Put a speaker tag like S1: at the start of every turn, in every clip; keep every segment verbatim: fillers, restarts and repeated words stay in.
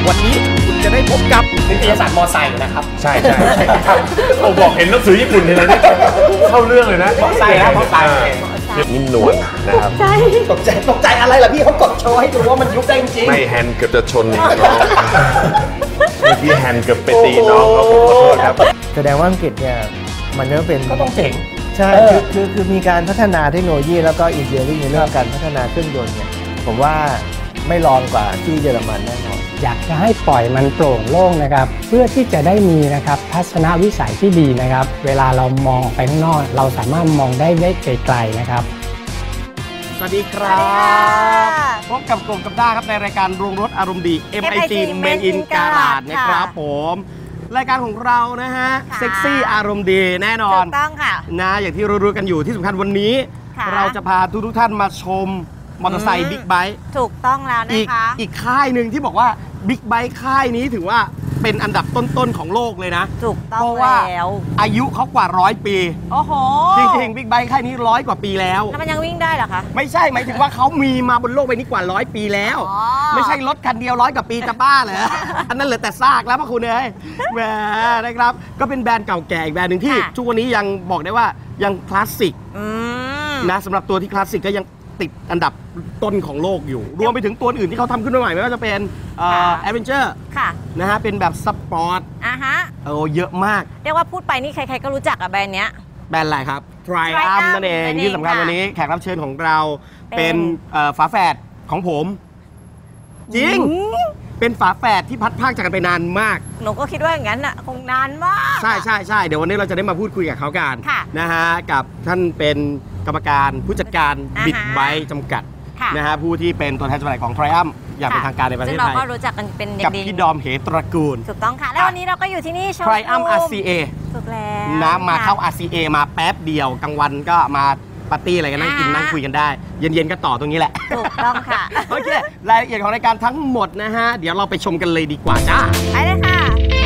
S1: วันนี้คุณจะได้พบกับนิตยสารมอไซค์นะครับ
S2: ใช่ใช่ผมบอกเห็นหนังสือญี่ปุ่นทีไรนี่เข้าเรื่องเลยนะ
S1: มอไซค์นะมอไซค์
S2: นิ่มนวลนะครับ
S1: ตกใจตกใจตกใจอะไรล่ะพี่เขากดโชว์ให้ดูว่ามันยุบได้จริง
S2: ไม่แฮนด์เกือบจะชนน้องเมื่อกี้แฮนด์เกือบไปตีน้องเขาขอโทษครับ
S3: แสดงว่าอังกฤษเนี่ยมันก็เป็น
S1: ก็ต้องเจ๋ง
S3: ใช่คือคือคือมีการพัฒนาเทคโนโลยีแล้วก็อินเดียในเรื่องการพัฒนาเครื่องยนต์เนี่ยผมว่าไม่รองกว่าที่เยอรมันแน่นอน
S4: อยากจะให้ปล่อยมันโปร่งโล่งนะครับเพื่อที่จะได้มีนะครับทัศนวิสัยที่ดีนะครับเวลาเรามองไปข้างนอกเราสามารถมองได้ได้ไกลๆนะครับ
S1: สวัสดีครับพบกับกลุ่มกับด้าครับในรายการโรงรถอารมณ์ดี เอ็ม ไอ จี Made in Garage นะครับผมรายการของเรานะฮะเซ็กซี่อารมณ์ดีแน่นอน
S5: ถูกต้องค่ะ
S1: นะอย่างที่รู้ๆกันอยู่ที่สำคัญวันนี้เราจะพาทุกๆท่านมาชมมอเตอร์ไซค์บิ๊กไบค์
S5: ถูกต้องแล้วนะคะ
S1: อีกค่ายหนึ่งที่บอกว่าบิ๊กไบค์ค่ายนี้ถือว่าเป็นอันดับต้นๆของโลกเลยนะ
S5: ถูกต้อง
S1: เพราะว่าอายุเขากว่าร้อยปี
S5: โอ้โห
S1: จริงๆบิ๊กไบค์ค่ายนี้ร้อยกว่าปีแล้ว
S5: แล้วมันยังวิ่งได้เหรอคะ
S1: ไม่ใช่หมายถึงว่าเขามีมาบนโลกใบนี้กว่าร้อยปีแล้วไม่ใช่รถคันเดียวร้อยกว่าปีจะบ้าเหรออันนั้นเหลือแต่ซากแล้วพ่อคุณเอ้ยแหมนะครับก็เป็นแบรนด์เก่าแก่อีกแบรนด์หนึ่งที่ทุกวันนี้ยังบอกได้ว่ายังคลาสสิกนะสำหรับตัวที่คลาสสิกก็ยังติดอันดับต้นของโลกอยู่รวมไปถึงตัวอื่นที่เขาทำขึ้นมาใหม่ไม่ว่าจะเป็นแอดเวนเจอร์นะฮะเป็นแบบสปอร์ต
S5: อ่ะฮะ
S1: โอ้เยอะมาก
S5: เรียกว่าพูดไปนี่ใครๆก็รู้จักอะแบรนด์เนี้ย
S1: แบรนด์อะไรครับ Triumph นั่นเองที่สำคัญวันนี้แขกรับเชิญของเราเป็นฝาแฝดของผมจริงเป็นฝาแฝดที่พัดพากจากกันไปนานมาก
S5: หนูก็คิดว่าอย่างนั้นอ่ะคงนานมาก
S1: ใช่ใช่ใช่เดี๋ยววันนี้เราจะได้มาพูดคุยกับเขากันนะฮะกับท่านเป็นกรรมการผู้จัดการบิ๊กไบค์จำกัดนะฮะผู้ที่เป็นตัวแทนจำหน่ายของ Triumph อย่างเป็นทางการในประเทศไทยซึ่ง
S5: เราก็รู้จักกันเป็นเด็กดี
S1: กับพี่ดอมเหตระกูล
S5: ถูกต้องค่ะแล้ววันนี้เราก็อยู่ที่นี่โชว์
S1: Triumph อาร์ ซี เอ
S5: ถูกแล้ว
S1: นะมาเข้า อาร์ ซี เอ มาแป๊บเดียวกลางวันก็มาปาร์ตี้อะไรกันนั่งกินนั่งคุยกันได้เย็นๆก็ต่อตรงนี้แหละ
S5: ถูกต้องค่ะ
S1: โอเครายละเอียดของรายการทั้งหมดนะฮะเดี๋ยวเราไปชมกันเลยดีกว่าจ้า
S5: ไปเลยค่ะ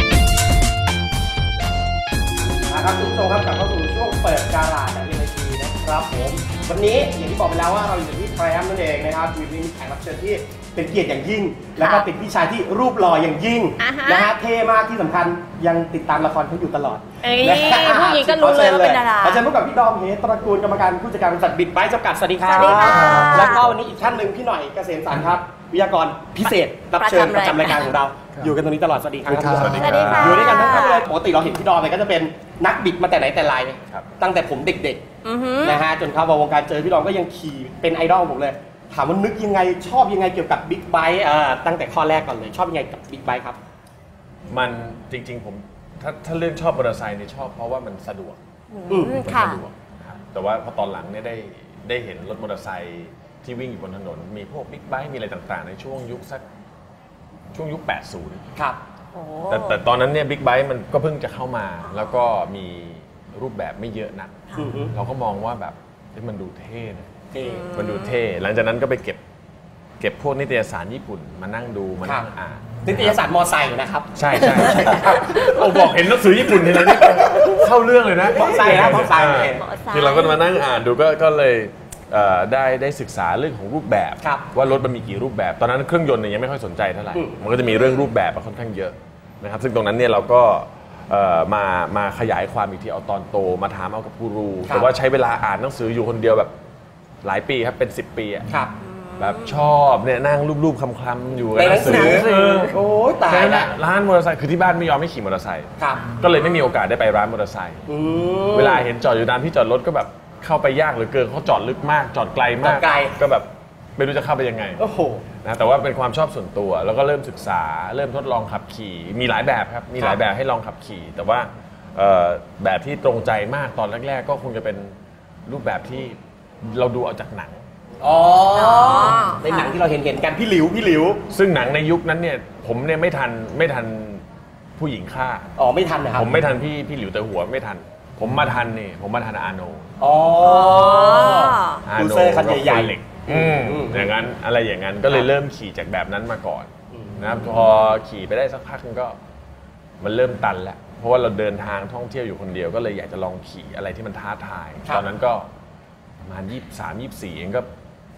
S1: นะครับทุกท่านครับกลับเข้าสู่ช่วงเปิดการาดจาก เอ็ม ไอ จี นะครับผมวันนี้อย่างที่บอกไปแล้วว่าเราอยู่ที่ Triumph นั่นเองนะครับมีมีแขกรับเชิญที่เป็นเกียรติอย่างยิ่งแล้วก็เป็นพี่ชายที่รูปหล่ออย่างยิ่งนะฮะเท่มากที่สำคัญยังติดตามละครเขาอยู่ตลอด
S5: ผู้หญิงก็รู้เลยว่าเป็นดารา
S1: อาจารย์พบกับพี่ดอมเหตระกูลกรรมการผู้จัดการบริษัทบิ๊กไบค์จำกัดสวัสดีครับแล้วก็วันนี้อีกท่านหนึ่งพี่หน่อยเกษมสันต์ครับวิทยากรพิเศษรับเชิญประจำรายการของเราอยู่กันตรงนี้ตลอดสวัสดีครับ
S2: สวัสดีครับ
S1: อยู่ด้วยกันทั้งคู่เลยปกติเราเห็นพี่ดอมเนี่ยก็จะเป็นนักบิดมาแต่ไหนแต่ไรตั้งแต่ผมเด็กๆนะฮะจนเข้ามาวงการเจอพี่ดอมก็ยังขี่เป็นไอดอลผมเลยถามว่านึกยังไงชอบยังไงเกี่ยวกับบิ๊กไบค์ตั้งแต่ข้อแรกก่อนเลยชอบยังไงกับบิ๊กไบค์ครับ
S2: มันจริงๆผมถ้าถ้าเรื่องชอบมอเตอร์ไซค์เนี่ยชอบเพราะว่ามันสะดวกมันสะดวกนะครับแต่ว่าพอตอนหลังเนี่ยได้ได้เห็นรถมอเตอร์ไซค์ที่วิ่งอยู่บนถนนมีพวกบิ๊กไบค์มีอะไรต่างๆในช่วงยุคสักช่วงยุคแปดสิบ
S1: ครับ
S2: แต่แต่ตอนนั้นเนี่ยบิ๊กไบค์มันก็เพิ่งจะเข้ามาแล้วก็มีรูปแบบไม่เยอะนักเราก็มองว่าแบบมันดูเท่มันดูเท่หลังจากนั้นก็ไปเก็บเก็บพวกนิตยสารญี่ปุ่นมานั่งดูมานั่งอ่าน
S1: นิตยสารมอไซค์นะครับ
S2: ใช่ใช่ผมบอกเห็นหนังสือญี่ปุ่นทีไรนี่เข้าเรื่องเลยนะ
S1: มอไซค์นะมอไซค์
S2: คือเราก็มานั่งอ่านดูก็ก็เลยได้ได้ศึกษาเรื่องของรูปแบบว่ารถมันมีกี่รูปแบบตอนนั้นเครื่องยนต์เนี่ยยังไม่ค่อยสนใจเท่าไหร่มันก็จะมีเรื่องรูปแบบค่อนข้างเยอะนะครับซึ่งตรงนั้นเนี่ยเราก็มามาขยายความอีกทีเอาตอนโตมาถามเอากับกูรูแต่ว่าใช้เวลาอ่านหนังสืออยู่คนเดียวแบบหลายปีครับเป็นสิบปีอ่ะแบบชอบเนี่ยนั่งรูปๆคลำๆอยู่ในหนังสือ
S1: โอ้ยตายละ
S2: ร้านมอเตอร์ไซค์คือที่บ้านไม่ยอมให้ขี่มอเตอร์ไซค์ก็เลยไม่มีโอกาสได้ไปร้านมอเตอร์ไซค์เวลาเห็นจอดอยู่ตามที่จอดรถก็แบบเข้าไปยากเหลือเกินเขาจอดลึกมากจอดไกลมากก็แบบไม่รู้จะเข้าไปยังไงนะแต่ว่าเป็นความชอบส่วนตัวแล้วก็เริ่มศึกษาเริ่มทดลองขับขี่มีหลายแบบครับมีหลายแบบให้ลองขับขี่แต่ว่าแบบที่ตรงใจมากตอนแรกๆก็คงจะเป็นรูปแบบที่เราดูเอาจากหนัง
S1: อ๋อในหนังที่เราเห็นเห็นกันพี่หลิวพี่หลิว
S2: ซึ่งหนังในยุคนั้นเนี่ยผมเนี่ยไม่ทันไม่ทันผู้หญิงฆ่า
S1: อ๋อไม่ทันนะครับ
S2: ผมไม่ทันพี่พี่หลิวแต่หัวไม่ทันผมมาทันนี่ผมมาทันอาโน
S1: อ๋อ
S2: อาโนคันใหญ่ๆเหล็กอย่างนั้นอะไรอย่างนั้นก็เลยเริ่มขี่จากแบบนั้นมาก่อนนะครับพอขี่ไปได้สักพักก็มันเริ่มตันแล้วเพราะว่าเราเดินทางท่องเที่ยวอยู่คนเดียวก็เลยอยากจะลองขี่อะไรที่มันท้าทายตอนนั้นก็ประมาณยี่สิบสาม ยี่สิบสี่เองก็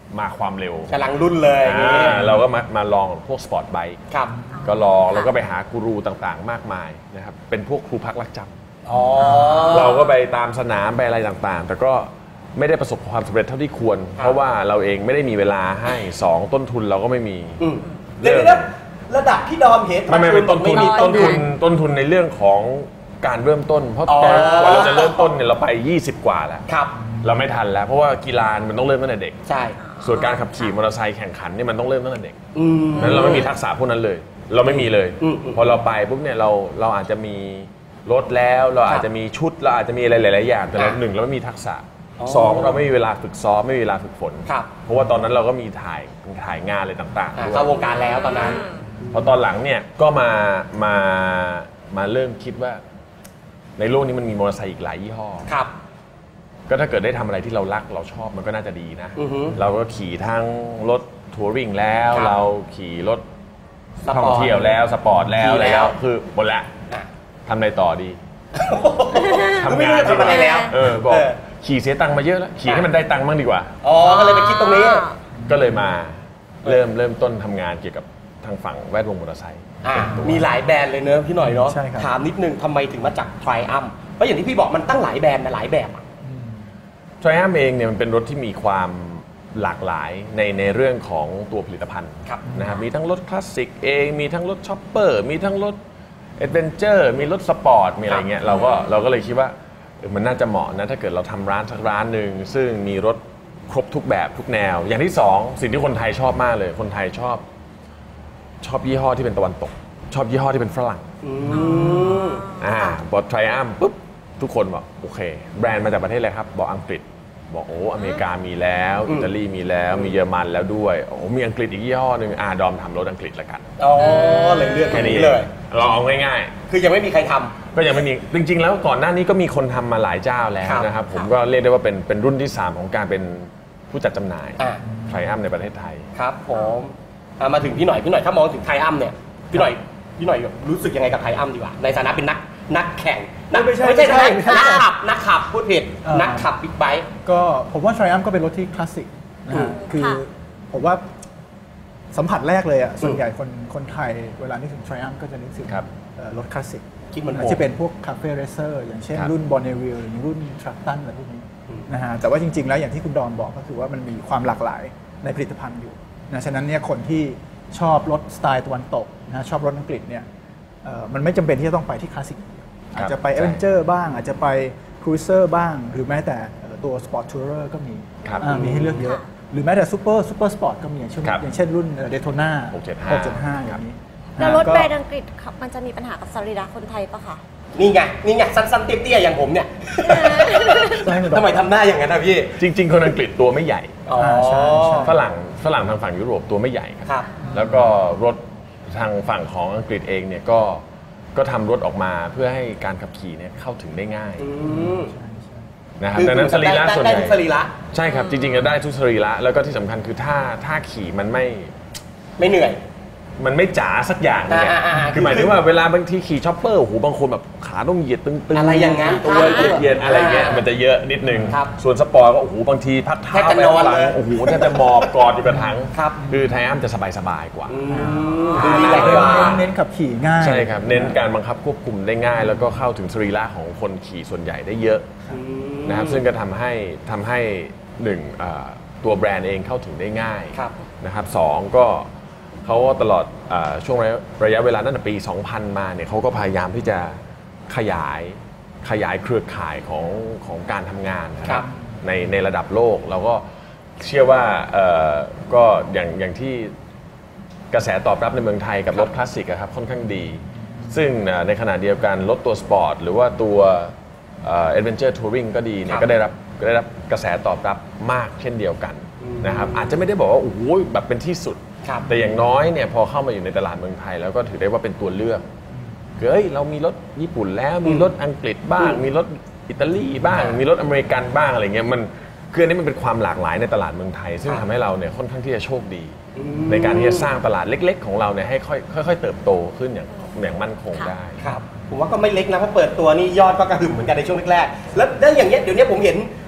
S2: มาความเร็ว
S1: กำลังรุ่นเลย
S2: อ่าเราก็มามาลองพวกสปอร์ตไบค์
S1: ครับ
S2: ก็ลองแล้วก็ไปหากูรูต่างๆ มากมายนะครับเป็นพวกครูพักรักจำ
S1: อ๋อ
S2: เราก็ไปตามสนามไปอะไรต่างๆ แต่ก็ไม่ได้ประสบความสำเร็จเท่าที่ควร เพราะว่าเราเองไม่ได้มีเวลาให้สองต้นทุนเราก็ไม่มี
S1: อืมเดี๋ยวนะระดับที่ดอมเห็น
S2: ไม่ไม่เป็นต้นทุน
S1: มี
S2: ต้นทุนต้นทุนในเรื่องของการเริ่มต้น เพราะ
S1: อ๋อ
S2: ตอนกว่าเราจะเริ่มต้นเนี่ยเราไปยี่สิบกว่าแล้ว
S1: ครับ
S2: เราไม่ทันแล้วเพราะว่ากีฬามันต้องเริ่มตั้งแต่เด็ก
S1: ใช่
S2: ส่วนการขับขี่มอเตอร์ไซค์แข่งขันนี่มันต้องเริ่มตั้งแต่เด็ก
S1: อืม
S2: นั้นเราไม่มีทักษะพวกนั้นเลย เราไม่มีเลย
S1: อืมอืม
S2: พอเราไปปุ๊บเนี่ยเราเราอาจจะมีรถแล้วเราอาจจะมีชุดเราอาจจะมีอะไรหลายๆอย่างแต่เรา
S1: อ่ะ
S2: หนึ่งเราไม่มีทักษะ
S1: อ๋อ
S2: สองเราไม่มีเวลาฝึกซ้อมไม่มีเวลาฝึกฝน
S1: ครับ
S2: เพราะว่าตอนนั้นเราก็มีถ่ายถ่ายงานอะไรต่างๆ
S1: อ่า
S2: ด้วย
S1: เข้าวงการแล้วตอนนั้น
S2: พอตอนหลังเนี่ยก็มามามาเริ่มคิดว่า ในโลกนี้มันมีมอเตอร์ไซค์อีกหลายยี่ห้อ
S1: ครับ
S2: ก็ถ้าเกิดได้ทำอะไรที่เรารักเราชอบมันก็น่าจะดีนะ
S1: อือฮึ
S2: เราก็ขี่ทั้งรถทัวริงแล้ว
S1: ครับ
S2: เราขี่รถ
S1: สปอร์ต
S2: ท่องเที่ยวแล้วสปอร์ตแล้ว
S1: ขี่
S2: อะไร
S1: แล้
S2: แล้ว วคือหมดละ
S1: อ่ะ
S2: ทำอะไรต่อดี
S1: ก็ไม่รู้จะทำอะไรแล้ว
S2: เออบอก
S1: เออ
S2: ขี่เสียตังค์มาเยอะแล้วขี่ให้มันได้ตังค์บ้างดีกว่า
S1: อ๋อ ก็เลยไปคิดตรงนี้
S2: ก็เลยมาเริ่มเริ่มต้นทำงานเกี่ยวกับทางฝั่งแวดวงมอเตอร์ไซค์
S1: อ่ะมีหลายแบรนด์เลยเนอะพี่หน่อยเนาะ
S3: ใช่ครับ
S1: ถามนิดนึงทำไมถึงมาจาก Triumph เพราะอย่างที่พี่บอกมันตั้งหลายแบรนด์นะหลายแบบอ่ะ
S2: ทริอัมเองเนี่ยมันเป็นรถที่มีความหลากหลายในในเรื่องของตัวผลิตภัณฑ์
S1: ครับ
S2: นะครับมีทั้งรถคลาสสิกเองมีทั้งรถช็อปเปอร์มีทั้งรถเอดเวนเจอร์มีรถสปอร์ตมีอะไรเงี้ยเราก็เราก็เลยคิดว่าเออมันน่าจะเหมาะนะถ้าเกิดเราทำร้านสักร้านหนึ่งซึ่งมีรถครบทุกแบบทุกแนว อย่างที่สองสิ่งที่คนไทยชอบมากเลยคนไทยชอบชอบยี่ห้อที่เป็นตะวันตก ชอบยี่ห้อที่เป็นฝรั่ง
S1: อืม
S2: อ่าพอ Triumph ปุ๊บทุกคนบอกโอเค แบรนด์มาจากประเทศอะไรครับ บอกอังกฤษ บอกโอ้อเมริกามีแล้ว
S1: อืม
S2: อิตาลีมีแล้วมีเยอรมันแล้วด้วยโอ้มีอังกฤษอีกยี่ห้อหนึ่งอ่าดอมทำรถอังกฤษละกัน
S1: อ๋อเลยเลือกตร
S2: แค่
S1: ง
S2: นี้
S1: นี้เลย
S2: เราเอาง่าย
S1: คือยังไม่มีใครทำ
S2: ๆ ก็ยังไม่มีจริง ๆ แล้วก่อนหน้านี้ก็มีคนทำมาหลายเจ้าแล้ว
S1: ครับ
S2: นะครับผมก็เรียกได้ว่าเป็นเป็นรุ่นที่สามของการเป็นผู้จัดจำหน่าย
S1: อ่า
S2: Triumph ในประเทศไทย
S1: ครับผมอ่ะมาถึงพี่หน่อยพี่หน่อยถ้ามองถึงไทอัมเนี่ยพี่หน่อยพี่หน่อยรู้สึกยังไงกับไทอัมดีกว่าในฐานะเป็นนักนักแข่งนัก
S3: ไม่ใช่
S1: ไม่ใช่
S3: ไม่ใช่
S1: นัก
S3: ไม่ใช่
S1: นักขับนักขับพูดผิด
S6: เออ
S1: นักขับบิ๊กไบค์
S6: ก็ผมว่า Triumph ก็เป็นรถที่คลาสสิกนะฮะคือ
S5: ค่ะ
S6: ผมว่าสัมผัสแรกเลยอ่ะส่วนใหญ่คนคนไทยเวลานึกถึง Triumph ก็จะนึกถึง
S2: ครับ
S6: เอ่อรถคลาสสิก
S1: คิดเหมันผม
S6: อาจจะเป็นพวกคาเฟ่เรเซอร์อย่างเช่น
S2: ครับ
S6: รุ่น Bonneville หรือรุ่น Tracton อะไรพวกนี้นะฮะแต่ว่าจริง ๆ แล้วอย่างที่คุณดอนบอกก็คือว่ามันมีความหลากหลายในผลิตภัณฑ์อยู่นะฉะนั้นเนี่ยคนที่ชอบรถสไตล์ตะวันตกนะชอบรถอังกฤษเนี่ยเอ่อมันไม่จำเป็นที่จะต้องไปที่คลาสสิกอย่างเดียวอาจจะไป
S2: ใช่
S6: เอเวนเจอร์บ้างอาจจะไปครูเซอร์บ้าง หรือแม้แต่เอ่อตัวสปอร์ตทัวร์ก็มี
S2: ครับ
S6: อ่ามีให้เลือกเยอะ หรือแม้แต่ซูเปอร์ซูเปอร์สปอร์ตก็มีอย่างเช่น
S2: ครับ
S6: อย่างเช่นรุ่นเดโทน่า
S2: หกเจ็ดห้า
S6: หกเจ็ดห้าอย่างนี้
S5: แล้วรถ
S6: ก็
S5: แบรนด์อังกฤษครับมันจะมีปัญหากับสรีระคนไทยปะคะ
S1: นี่ไงนี่ไงสั้นๆเตี้ยๆอย่างผมเนี่ย
S6: ใช่ไหม
S1: ทำไมทำหน้าอย่างนั้นนะพี่
S2: จริง ๆ คนอังกฤษตัวไม่ใหญ่
S1: อ๋อ
S6: ใช่ใช่
S2: ฝรั่งฝรั่งทางฝั่งยุโรปตัวไม่ใหญ่ครับ
S1: ครับ
S2: แล้วก็รถทางฝั่งของอังกฤษเองเนี่ยก็ก็ทำรถออกมาเพื่อให้การขับขี่เนี่ยเข้าถึงได้ง่าย
S1: อืม
S2: นะครับ
S1: คือ
S2: ดังนั้นสรีระ
S1: ได้
S2: ส่วน
S1: ได้
S2: ใหญ่
S1: ทุกสรีระ
S2: ใช่ครับจริงๆจะได้ทุกสรีระแล้วก็ที่สำคัญคือถ้าถ้าขี่มันไม่
S1: ไม่เหนื่อย
S2: มันไม่จ๋าสักอย่างเนี่ย
S1: อ่าอ่าอ่า
S2: คือหมายถึงว่าเวลาบางทีขี่ช็อปเปอร์โอ้โหบางคนแบบขาต้องเหยียดตึงๆ
S1: อะไรอย่างนั้น
S2: ตัวเหยียดๆอะไรเงี้ย
S1: อ่ามั
S2: มันจะเยอะนิดนึง
S1: ครับ
S2: ส่วนสปอร์ตก็โอ้โหบางทีพักเท้า
S1: แทบจะ
S2: ไป
S1: นอน
S2: ข้างหลัง
S1: เลย
S2: โอ้โหแทบจะหมอบกอดอยู่กับถัง
S1: ครับ
S2: คือไทอัมจะสบายๆกว่า
S1: อืมดูดีก
S6: เน้น
S1: ว่า
S6: เน้นเน้นขับขี่ง่าย
S2: ใช่ครับ เน้นการบังคับควบคุมได้ง่าย แล้วก็เข้าถึงสรีระของคนขี่ส่วนใหญ่ได้เยอะ
S1: อืม
S2: นะครับซึ่งก็ทำให้ทำให้หนึ่งอ่าตัวแบรนด์เองเข้าถึงได้ง่าย
S1: ครับ
S2: นะครับสองก็เขาก็ตลอดอาช่วงระยะระยะเวลาตั้งแต่ปี สองพัน มาเนี่ยเขาก็พยายามที่จะขยายขยายเครือข่ายของของการทำงานนะค
S1: ครั
S2: รับบ ในในระดับโลกเราก็เชื่อว่าเอ่อก็อย่างอย่างที่กระแสตอบรับในเมืองไทยกับรถคลาสสิกอะครับค่อนข้างดี ซึ่งอ่าในขณะเดียวกันรถตัวสปอร์ตหรือว่าตัวเอดเวนเจอร์ทัวริงก็ดีเนี่
S1: ครั
S2: ย
S1: บ
S2: ก็ได้รับก็ได้รับกระแสตอบรับมากเช่นเดียวกันนะครับอาจจะไม่ได้บอกว่าโอ้โหแบบเป็นที่สุด
S1: ครับ
S2: แต่อย่างน้อยเนี่ยพอเข้ามาอยู่ในตลาดเมืองไทยแล้วก็ถือได้ว่าเป็นตัวเลือกคือเอ้ยเรามีรถญี่ปุ่นแล้วมีรถอังกฤษบ้าง มีรถอิตาลีบ้าง มีรถอเมริกันบ้างอะไรเงี้ยมันคืออันนี้มันเป็นความหลากหลายในตลาดเมืองไทย ซึ่ง
S1: ครับ
S2: ทำให้เราเนี่ยค่อนข้างที่จะโชคดี
S1: อืม
S2: ในการที่จะสร้างตลาดเล็ก ๆ ของเราเนี่ยให้ค่อยค่อยๆเติบโตขึ้นอย่างอย่างมั่นคงได้
S1: ครับผมว่าก็ไม่เล็กนะเพราะเปิดตัวนี่ยอดก็กระหึ่มเหมือนกันในช่วงแรกๆแล้วแล้วอย่างเงี้ยเดี๋ยวนี้ผมเห็น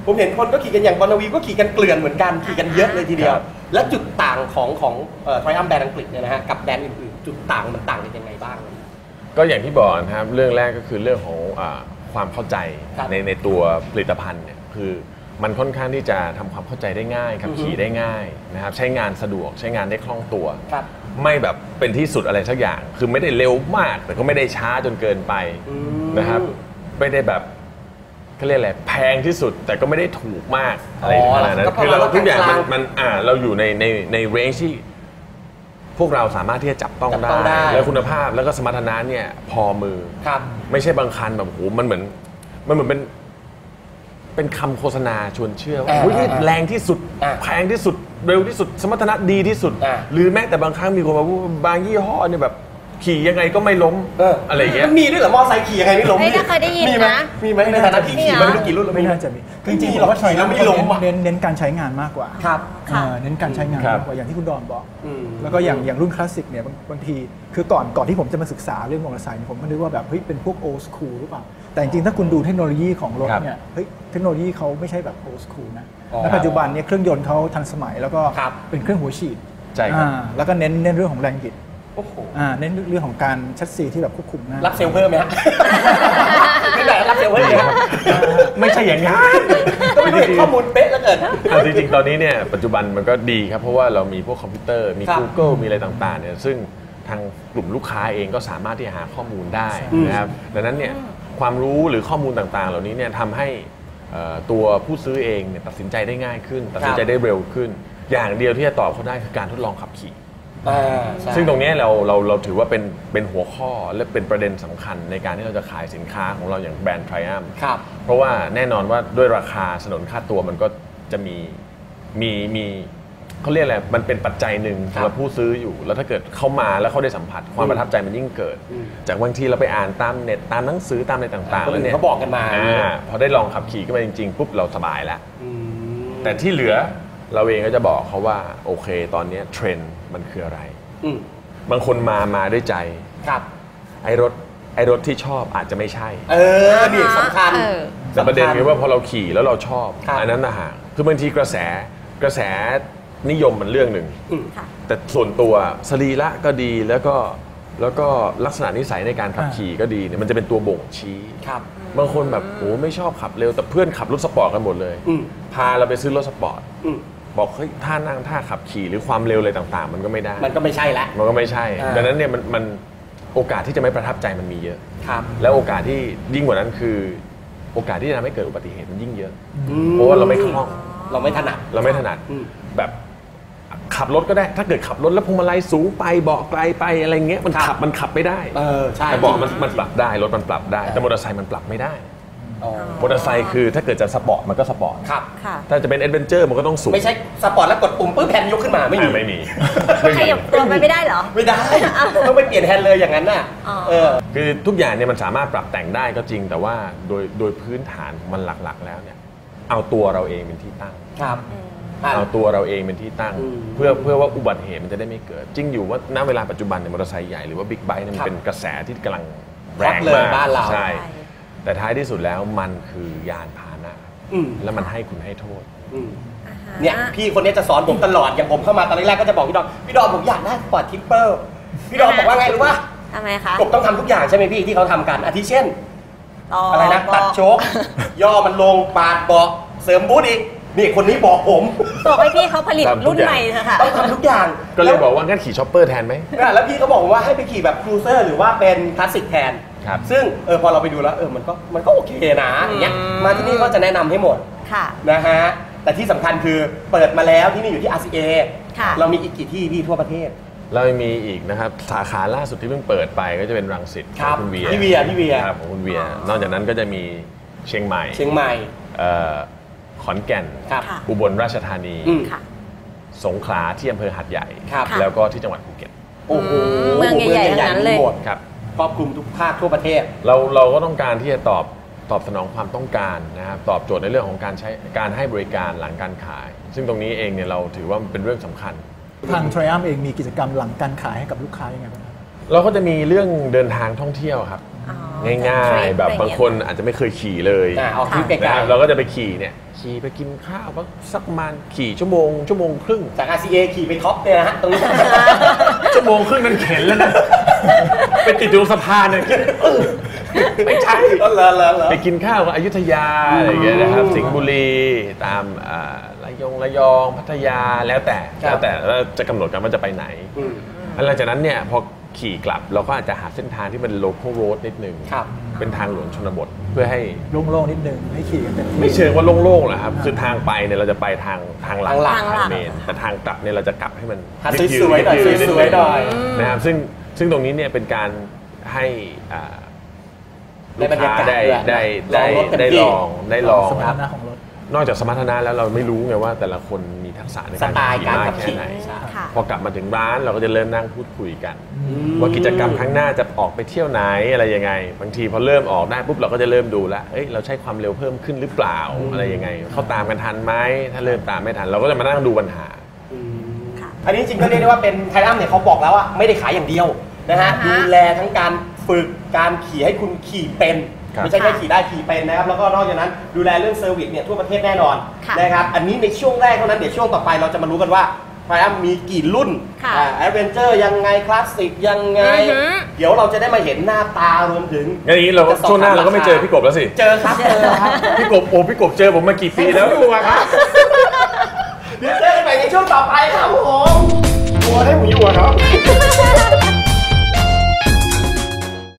S1: ผมเห็นคนก็ขี่กันอย่างบอลนาวีก็ขี่กันเกลื่อนเหมือนกันขี่กันเยอะเลยทีเดียว และจุดต่างของของเอ่อ Triumph แบรนด์อังกฤษเนี่ยนะฮะกับแบรนด์อื่นๆจุดต่างมันต่างกันยังไงบ้าง
S2: ก็อย่างที่บอกนะครับเรื่องแรกก็คือเรื่องของอ่าความเข้าใจในในตัวผลิตภัณฑ์เนี่ยคือมันค่อนข้างที่จะทำความเข้าใจได้ง่ายขับขี่ได้ง่ายนะครับใช้งานสะดวกใช้งานได้คล่องตัวไม่แบบเป็นที่สุดอะไรสักอย่างคือไม่ได้เร็วมากแต่ก็ไม่ได้ช้าจนเกินไปนะครับไม่ได้แบบเขาเรียกอะไรแพงที่สุดแต่ก็ไม่ได้ถูกมากอะไรขนาดนั้นคือเราทุกอย่างมันมันอ่าเราอยู่ในในในเรนจ์ที่พวกเราสามารถที่จะจับต้องได้แล้วคุณภาพแล้วก็สมรรถนะเนี่ยพอมือไม่ใช่บางคันแบบโหมันเหมือนมันเหมือนเป็นเป็นคำโฆษณาชวนเชื่อว่าแรงที่สุดแพงที่สุดเร็วที่สุดสมรรถนะดีที่สุดหรือแม้แต่บางครั้งมีคนมาพูดบางยี่ห้อเนี่ยแบบขี่ยังไงก็ไม่ล้มอะไรอย่างเงี้ย
S1: มันมีด้วยเหรอมอไซค์ขี่ยังไงไม่ล้ม
S5: ไม่เคยได้ยินนะ
S1: มีไหมในฐานะที่ขี่มาไม่รู้กี่รุ่น
S6: ไม่น่าจะมีจริงๆเราว่าใช้แล้วไม่ล้มเน้นเน้นการใช้งานมากกว่า
S1: ครับ
S6: เน้นการใช้งานมากกว่าอย่างที่คุณดอนบอกแล้วก็อย่างอย่างรุ่นคลาสสิกเนี่ยบางทีคือก่อนก่อนที่ผมจะมาศึกษาเรื่องมอเตอร์ไซค์ผมก็นึกว่าแบบเฮ้ยเป็นพวกโอ สคูลหรือเปล่าแต่จริงๆถ้าคุณดูเทคโนโลยีของรถเนี่ยเฮ้ยเทคโนโลยีเขาไม่ใช่แบบโอ สคูลนะและปัจจุบันเนี่ยเครื่องยนต์เขาทันสมัยแล้วก็เป็นเครื่องหัวฉีดแล้วก็เน้นเน้นเรื่องของแรงบิดเน้นเรื่องของการชัดซีที่แบบควบคุมนะ
S1: รับเซลล์เพิ่มไหมฮะไม่ได้รับเซลล์เพิ่มไหม
S2: ไม่ใช่อย่างนั้น
S1: ก็ไม่ได้ข้อมูลเป๊ะแล้วเกิด
S2: จริงๆตอนนี้เนี่ยปัจจุบันมันก็ดีครับเพราะว่าเรามีพวกคอมพิวเตอร์มี Google มีอะไรต่างๆเนี่ยซึ่งทางกลุ่มลูกค้าเองก็สามารถที่จะหาข้อมูลได้นะครับดังนั้นเนี่ยความรู้หรือข้อมูลต่างๆเหล่านี้เนี่ยทำให้ตัวผู้ซื้อเองเนี่ยตัดสินใจได้ง่ายขึ้นตัดสินใจได้เร็วขึ้นอย่างเดียวที่จะตอบเขาได้คือการทดลองขับขี่ซึ่งตรงนี้เราเราเราถือว่าเป็นเป็นหัวข้อและเป็นประเด็นสำคัญในการที่เราจะขายสินค้าของเราอย่างแบรนด์ Triumph เพราะว่าแน่นอนว่าด้วยราคาสนนค่าตัวมันก็จะมีมีมีเขาเรียกอะไรมันเป็นปัจจัยหนึ่งสำหรับผู้ซื้ออยู่แล้วถ้าเกิดเขามาแล้วเขาได้สัมผัสความประทับใจมันยิ่งเกิดจากบางทีเราไปอ่านตามเน็ตตามหนังสือตามอะไรต่างๆแล้วเนี่ย
S1: เขาบอกกันมา
S2: พอได้ลองขับขี่ขึ้นมาจริงๆปุ๊บเราสบายแล้วแต่ที่เหลือเราเองก็จะบอกเขาว่าโอเคตอนนี้เทรนด์มันคืออะไรบางคนมามาด้วยใจ
S1: ครับ
S2: ไอ้รถไอ้รถที่ชอบอาจจะไม่ใช่
S1: เออนี่สำคัญ
S2: แต่ประเด็นคือว่าพอเราขี่แล้วเราชอบอันนั้นนะฮะคือบางทีกระแสกระแสนิยมมันเรื่องหนึ่งแต่ส่วนตัวสรีระก็ดีแล้วก็แล้วก็ลักษณะนิสัยในการขับขี่ก็ดีเนี่ยมันจะเป็นตัวบ่งชี้บางคนแบบโอ้ไม่ชอบขับเร็วแต่เพื่อนขับรถสปอร์ตกันหมดเลยพาเราไปซื้อรถสปอร์ตบอกเฮ้ยท่านั่งท่าขับขี่หรือความเร็วอะไรต่างๆมันก็ไม่ได้
S1: มันก็ไม่ใช่ละ
S2: มันก็ไม่ใช่ดังนั้นเนี่ยมันมันโอกาสที่จะไม่ประทับใจมันมีเยอะแล้วโอกาสที่ยิ่งกว่านั้นคือโอกาสที่จะทำให้เกิดอุบัติเหตุมันยิ่งเยอะเพราะว่าเราไม่คล่อง
S1: เราไม่ถนัด
S2: เราไม่ถนัดแบบขับรถก็ได้ถ้าเกิดขับรถแล้วพวงมาลัยสูงไปเบาะไกลไปอะไรเงี้ยมันขับมันขับไม่ได้แต่เบาะมันมันปรับได้รถมันปรับได้แต่มอเตอร์ไซค์มันปรับไม่ได้มอเตอร์ไซค์คือถ้าเกิดจะสปอร์ตมันก็สปอร์ตถ้าจะเป็นแอดเวนเจอร์มันก็ต้องสูง
S1: ไม่ใช่สปอร์ตแล้วกดปุ่มปื้มแฮนด์ยกขึ้นมาไม่มี
S2: ไม่มี
S5: ขยับตัวไปไม่ได้เหรอ
S1: ไม่ได้ต้องไปเปลี่ยนแฮนด์เลยอย่างนั้นน่ะ
S2: คือทุกอย่างเนี่ยมันสามารถปรับแต่งได้ก็จริงแต่ว่าโดยโดยพื้นฐานมันหลักๆแล้วเนี่ยเอาตัวเราเองเป็นที่ตั้งเอาตัวเราเองเป็นที่ตั้งเพื่อเพื่อว่าอุบัติเหตุมันจะได้ไม่เกิดจริงอยู่ว่าณเวลาปัจจุบันเนี่ยมอเตอร์ไซค์ใหญ่หรือว่าบิ๊กไบค์เนี่ยมันเป็นกระแสที่กำลังแรงมากใช่แต่ท้ายที่สุดแล้วมันคือยานพาหนะแล้วมันให้คุณให้โทษ
S1: เนี่ยพี่คนนี้จะสอนผมตลอดอย่างผมเข้ามาตอนแรกก็จะบอกพี่ดอมพี่ดอมผมอยากได้สปอร์ตทิปเปอร์พี่ดอมบอกว่าไงรู้ป่ะ
S5: ทำไมคะ
S1: กบต้องทำทุกอย่างใช่ไหมพี่ที่เขาทำกันอาทิเช่นอะไรนะตัดโชคย่อมันลงปาดเบาะเสริมบูทอีกนี่คนนี้บอกผม
S5: บอกให้พี่เขาผลิตรุ่นใหม่เถอะค่ะ
S1: ต้องทำทุกอย่าง
S2: ก็เลยบอกว่างั้นขี่ช็อปเปอร์แทนไหม
S1: แล้วพี่เขาบอกว่าให้ไปขี่แบบครูเซอร์หรือว่าเป็นคลาสสิกแทนซึ่งเออพอเราไปดูแล้วเออมันก็มันก็โอเคนะอย่างเงี้ยมาที่นี่ก็จะแนะนำให้หมดนะฮะแต่ที่สำคัญคือเปิดมาแล้วที่นี่อยู่ที่ อาร์ ซี เอ เรามีอีกกี่ที่พี่ทั่วประเทศ
S2: เรามีอีกนะครับสาขาล่าสุดที่เพิ่งเปิดไปก็จะเป็นรังสิตของคุณเวีย
S1: พี่เวียพี่เวีย
S2: ครับของคุณเวียนอกจากนั้นก็จะมีเชียงใหม่
S1: เชียงใหม่
S2: ขอนแก่นอุบลราชธานีสงขลาที่อำเภอหาดใหญ่แล้วก็ที่จังหวัดภูเก็ต
S1: โอ้โห
S5: เมืองใหญ่ๆทั้งนั้นเลย
S2: ครับ
S1: ครอบคลุมทุกภาคทั่วประเทศ
S2: เราเราก็ต้องการที่จะตอบตอบสนองความต้องการนะครับตอบโจทย์ในเรื่องของการใช้การให้บริการหลังการขายซึ่งตรงนี้เองเนี่ยเราถือว่าเป็นเรื่องสำคัญ
S6: ทาง Triumph เองมีกิจกรรมหลังการขายให้กับลูกค้ายังไงบ้าง
S2: เราก็จะมีเรื่องเดินทางท่องเที่ยวครับง่ายๆแบบบางคนอาจจะไม่เคยขี่เลย
S1: ออกทริปไกล
S2: ๆเราก็จะไปขี่เนี่ยขี่ไปกินข้าวก็สักประมาณขี่ชั่วโมงชั่วโมงครึ่ง
S1: จาก อาร์ ซี เอ ขี่ไปท็อปเนี่ยนะฮะตรงนี้
S2: ชั่วโมงครึ่งนั้นเข็นแล้วนะไปติดอยู่ตรงสะพานเนี่ยไม่ใช่
S1: ก็เลอะเลอะเลอะ
S2: ไปกินข้าวกับอยุธยาอะไรอย่างเงี้ยนะครับสิงห์บุรีตามอ่าระยองระยองพัทยาแล้วแต่แล้วแต่ว่าจะกำหนดกันว่าจะไปไหนหลังจากนั้นเนี่ยพอขี่กลับเราก็อาจจะหาเส้นทางที่เป็น local road นิดนึงเป็นทางหลวงชนบทเพื่อให้
S6: โล่งๆนิดนึงให้ขี่กันเต็มที่
S2: ไม่เชิงว่าโล่งๆหรอกครับคือทางไปเนี่ยเราจะไปทางทางหลัง
S1: ทางหลัก
S2: ทางเมนแต่ทางกลับเนี่ยเราจะกลับให้มัน
S1: หาสวยๆหน่อย
S2: ดๆ
S1: สวยๆหน่อย
S2: นะครับซึ่งซึ่งตรงนี้เนี่ยเป็นการให้อ่า
S1: ได้บรรยากาศ
S2: ได้
S1: ด้วย
S2: ได้ได้
S1: ลองรถเต็ม
S2: ได้
S1: ที่
S2: ลองได้ลอง
S6: สมรรถนะของรถ
S2: นอกจากสมรรถนะแล้วเราไม่รู้ไงว่าแต่ละคนมีทักษะใน
S1: ส
S2: การ
S1: ไตล์
S2: ขี่
S1: การ
S2: มาก
S1: ขับ
S2: แค่
S1: ขี่
S2: ไหน
S5: ค่ะ
S2: พอกลับมาถึงร้านเราก็จะเริ่มนั่งพูดคุยกัน ว่ากิจกรรมครั้งหน้าจะออกไปเที่ยวไหนอะไรยังไง บางทีพอเริ่มออกได้ปุ๊บเราก็จะเริ่มดูแล้วเอ้ยเราใช้ความเร็วเพิ่มขึ้นหรือเปล่าอะไรยังไงเขาตามกันทันไหมถ้าเริ่มตามไม่ทันเราก็จะมานั่งดูปัญหา
S1: อันนี้จริงก็เรียกได้ว่าเป็นไทรัมเนี่ยเขาบอกแล้วว่าไม่ได้ขายอย่างเดียวนะฮะ
S5: อ่าฮะ
S1: ดูแลทั้งการฝึกการขี่ให้คุณขี่เป็น
S2: ครับ
S1: ไม่ใช่แค่ขี่ได้ขี่เป็นนะครับแล้วก็นอกจากนั้นดูแลเรื่องเซอร์วิสเนี่ยทั่วประเทศแน่นอน
S5: ค่ะ
S1: นะครับอันนี้ในช่วงแรกเท่านั้นเดี๋ยวช่วงต่อไปเราจะมารู้กันว่าไทรัมมีกี่รุ่น
S5: ค่ะ
S1: แอดเวนเจอร์ยังไงคลาสสิกยังไง
S5: อือหือ
S1: เดี๋ยวเราจะได้มาเห็นหน้าตารวมถึง
S2: งั้นอย่างนี้เรา
S1: จะสอบ
S2: ช่วงหน้า
S1: ถาม
S2: เราก็ไม่
S1: ราคา
S2: เจอพี่กบแล้วสิ
S1: เจอครับเจอครับ
S2: พี่กบโอ้พี่กบเจอผมมากี่ปีแล้ว
S1: ดูครับเดี๋ยวเจอกันใหม่ในช่วงต่อไปครับผมตัวให้ผมอยู่อะครับ